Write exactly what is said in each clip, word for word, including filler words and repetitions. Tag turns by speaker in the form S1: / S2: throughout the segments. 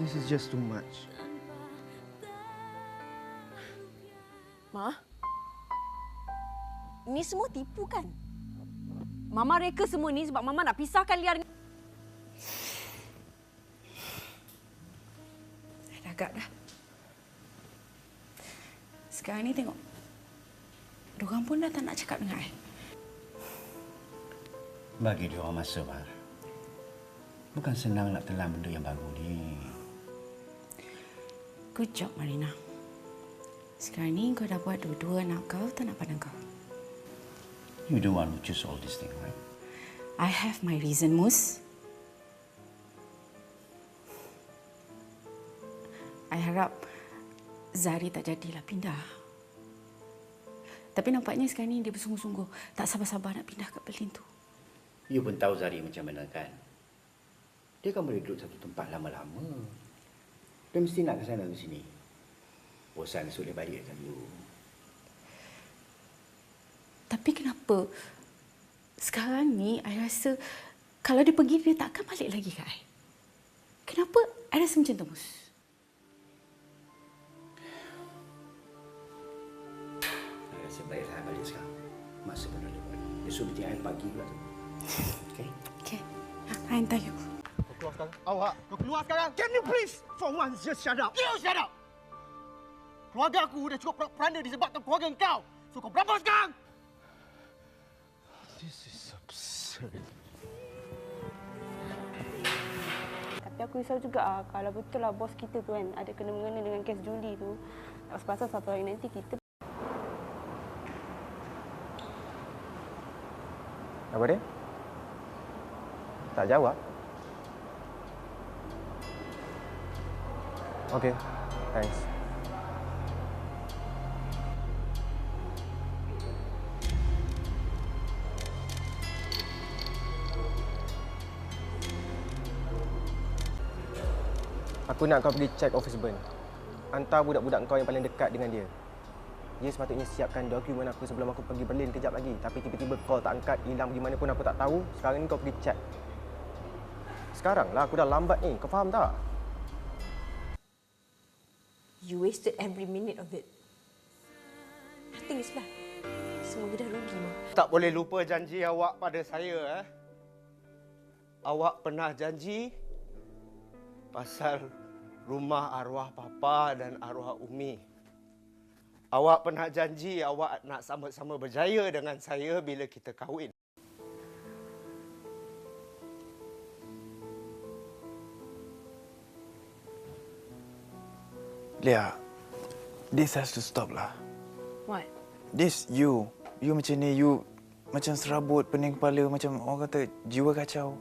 S1: This is just too much.
S2: Ma? Ni semua tipu kan? Mama reka semua ni sebab Mama nak pisahkan Lia dengan...
S3: Dah agak dah. Sekarang ni tengok. Diorang pun dah tak nak cakap dengan I.
S4: Bagi dia orang masa, Mar. Bukan senang nak telan benda yang baru ni.
S3: Good job, Marina. Sekarang ni kau dah buat dua-dua anak kau tak nak pandang kau.
S4: You the one who choose all this thing, right?
S3: I have my reason, Mus. I harap Zari tak jadilah pindah. Tapi nampaknya sekarang ni dia bersungguh-sungguh tak sabar-sabar nak pindah ke Berlin tu.
S4: You pun tahu Zari macam mana kan? Dia kan boleh duduk satu tempat lama-lama. Dia mesti nak ke sana ke sini. Bosan sulit balik kan you.
S3: Tapi kenapa sekarang ni I rasa kalau dia pergi dia takkan balik lagi ke I? Kenapa I rasa macam tu, Mus?
S4: I rasa baiklah I balik sekarang. Masa pun dah lewat. Esok meeting I pagi pula tu. Okay?
S3: Okay. Ha, I hantar you.
S1: Kau keluar sekarang. Awak, kau keluar sekarang. Can you please, for once, just shut up?
S5: You shut up! Keluarga aku dah cukup propaganda disebabkan keluarga kau. So kau berapa sekarang?
S1: This is absurd.
S6: Tapi aku risau juga ah, kalau betul lah bos kita tu kan ada kena-mengena dengan kes juli tu. Tak sepatutnya satu hari nanti kita...
S1: Apa dia? Tak jawab? Okay, thanks. Aku nak kau pergi check office burn. Hantar budak-budak kau yang paling dekat dengan dia. Dia sepatutnya siapkan dokumen aku sebelum aku pergi Berlin kejap lagi. Tapi tiba-tiba call tak angkat, hilang pergi mana pun aku tak tahu. Sekarang ni kau pergi check. Sekarang lah, aku dah lambat ni. Kau faham tak?
S2: You wasted every minute of it. Nothing is left. Semua dah rugi, Ma.
S5: Tak boleh lupa janji awak pada saya. Eh? Awak pernah janji pasal rumah arwah Papa dan arwah Umi. Awak pernah janji awak nak sama-sama berjaya dengan saya bila kita kahwin.
S7: Lia, this has to stop lah.
S2: What?
S7: This, you. You macam ni, you macam serabut, pening kepala, macam orang kata jiwa kacau.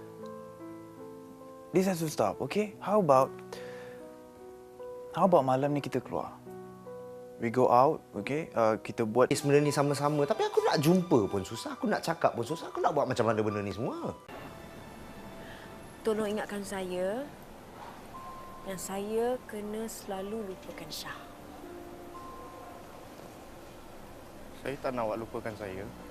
S7: This has to stop, okay? How about... How about malam ni kita keluar? We go out, okay? Uh, kita buat...
S5: Sebenarnya ni sama-sama, tapi aku nak jumpa pun susah, aku nak cakap pun susah, aku nak buat macam mana benda ni semua.
S2: Tolong ingatkan saya yang saya kena selalu lupakan Syah.
S7: Saya tak nak awak lupakan saya.